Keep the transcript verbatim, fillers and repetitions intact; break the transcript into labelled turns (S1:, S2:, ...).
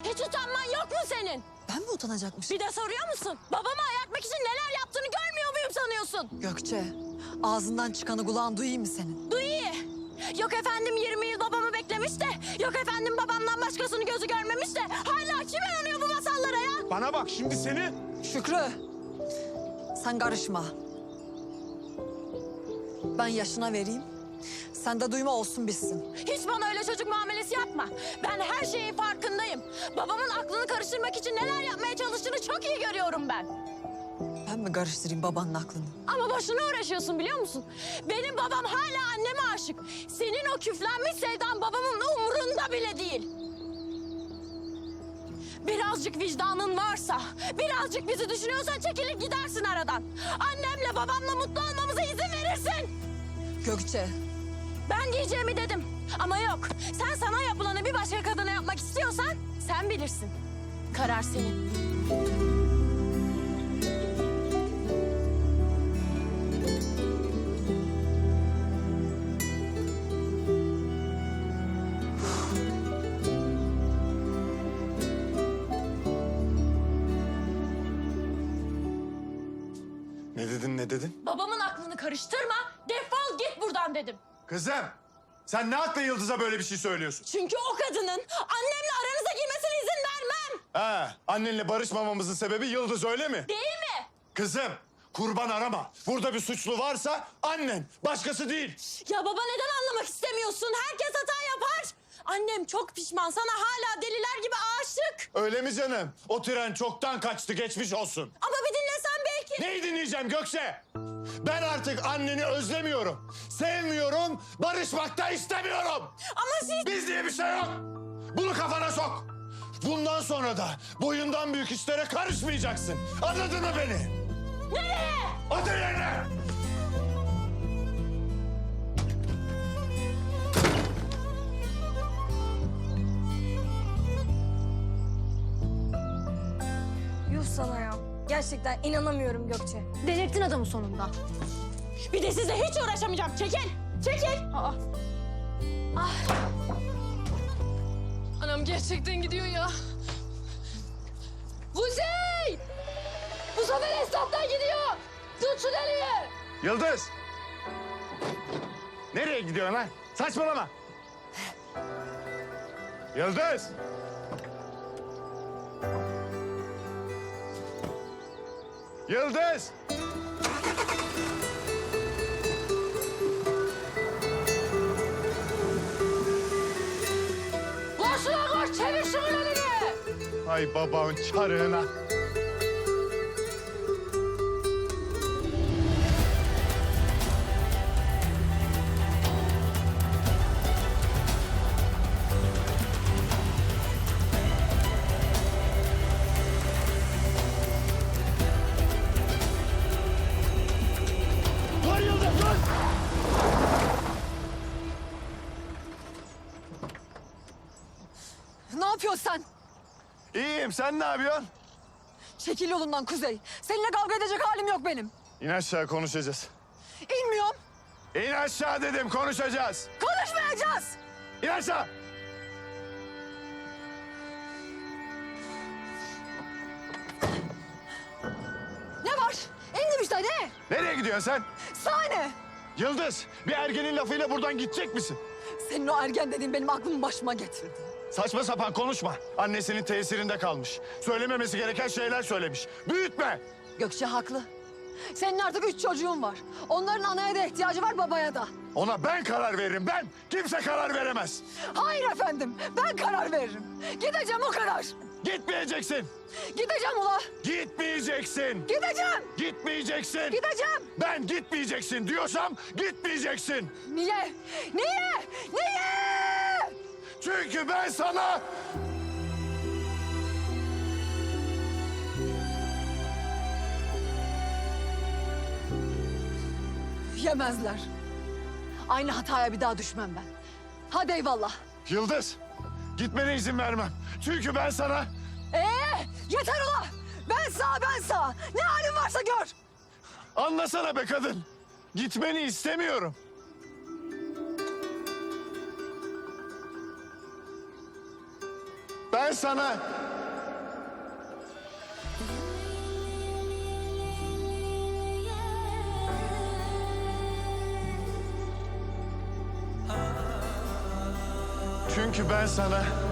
S1: Hiç utanman yok mu senin?
S2: Ben mi utanacakmışım?
S1: Bir de soruyor musun? Babamı ayartmak için neler yaptığını görmüyor muyum sanıyorsun?
S2: Gökçe, ağzından çıkanı kulağın duyayım mı senin?
S1: Duy iyi. Yok efendim yirmi yıl babamı beklemiş de... Yok efendim babamdan başkasını gözü görmemiş de... Hala kim inanıyor bu masallara ya?
S3: Bana bak şimdi seni...
S2: Şükrü, sen karışma. Ben yaşına vereyim, sen de duyma olsun bitsin.
S1: Hiç bana öyle çocuk muamelesi yapma. Ben her şeyin farkındayım. Babamın aklını karıştırmak için neler yapmaya çalıştığını çok iyi görüyorum ben.
S2: Ben mi karıştırayım babanın aklını?
S1: Ama boşuna uğraşıyorsun biliyor musun? Benim babam hala anneme aşık. Senin o küflenmiş sevdan babamın umurunda bile değil. Birazcık vicdanın varsa, birazcık bizi düşünüyorsan çekilir gidersin aradan. Annemle babamla mutlu olmamıza izin verirsin.
S2: Gökçe,
S1: Ben diyeceğimi dedim. Ama yok, sen sana yapılanı bir başka kadına yapmak istiyorsan sen bilirsin. Karar senin.
S3: Ne dedin ne dedin?
S1: Babamın aklını karıştırma, defol git buradan dedim.
S3: Kızım sen ne hakla Yıldız'a böyle bir şey söylüyorsun?
S1: Çünkü o kadının annemle aranıza girmesine izin vermem.
S3: Ha, annenle barışmamamızın sebebi Yıldız öyle mi?
S1: Değil mi?
S3: Kızım kurban arama. Burada bir suçlu varsa annen, başkası değil.
S1: Ya baba neden anlamak istemiyorsun? Herkes hata yapar. Annem çok pişman, sana hala deliler gibi aşık.
S3: Öyle mi canım? O tren çoktan kaçtı, geçmiş olsun.
S1: Ama bir dinlesen belki.
S3: Neyi dinleyeceğim Gökçe? Ben artık anneni özlemiyorum. Sevmiyorum, barışmak da istemiyorum.
S1: Ama siz...
S3: Biz diye bir şey yok. Bunu kafana sok. Bundan sonra da boyundan büyük işlere karışmayacaksın. Anladın mı beni?
S1: Nereye?
S3: Otur yerine.
S4: Yuh sana ya. Gerçekten inanamıyorum Gökçe.
S1: Delirttin adamı sonunda. Bir de sizle hiç uğraşamayacağım. Çekil, çekil. Aa. Ah. Anam gerçekten gidiyor ya. Kuzey! Bu sefer esnaftan gidiyor. Tut şu deliği.
S3: Yıldız. Nereye gidiyorsun lan? Saçmalama. Yıldız. Yıldız.
S1: Koş lan koş, çevir şunun elini.
S3: Ay babanın çarığına. Dur Yıldız dur!
S2: ne yapıyorsun sen?
S3: İyiyim, sen ne yapıyorsun?
S2: Çekil yolundan Kuzey. Seninle kavga edecek halim yok benim.
S3: İn aşağı konuşacağız.
S2: İnmiyorum,
S3: İn aşağı dedim, konuşacağız.
S2: konuşmayacağız.
S3: İn aşağı.
S2: Ne var? İndim işte, ne?
S3: Nereye gidiyorsun sen?
S2: Sahne.
S3: Yıldız, bir ergenin lafıyla buradan gidecek misin?
S2: Senin o ergen dediğin benim aklımı başıma getirdi.
S3: Saçma sapan konuşma. Annesinin tesirinde kalmış. Söylememesi gereken şeyler söylemiş. Büyütme.
S2: Gökçe haklı. Senin artık üç çocuğun var. Onların anaya da ihtiyacı var, babaya da.
S3: Ona ben karar veririm, ben. Kimse karar veremez.
S2: Hayır efendim, ben karar veririm. Gideceğim o kadar.
S3: Gitmeyeceksin.
S2: Gideceğim ula.
S3: Gitmeyeceksin.
S2: Gideceğim.
S3: Gitmeyeceksin.
S2: Gideceğim.
S3: Ben gitmeyeceksin diyorsam gitmeyeceksin.
S2: Niye? Niye? Niye?
S3: Çünkü ben sana...
S2: Yemezler. Aynı hataya bir daha düşmem ben. Hadi eyvallah.
S3: Yıldız, gitmene izin vermem. Çünkü ben sana...
S2: Ee, yeter ula. Ben sağ, ben sağ. Ne halin varsa gör.
S3: Anlasana be kadın. Gitmeni istemiyorum. Ben sana... Çünkü ben sana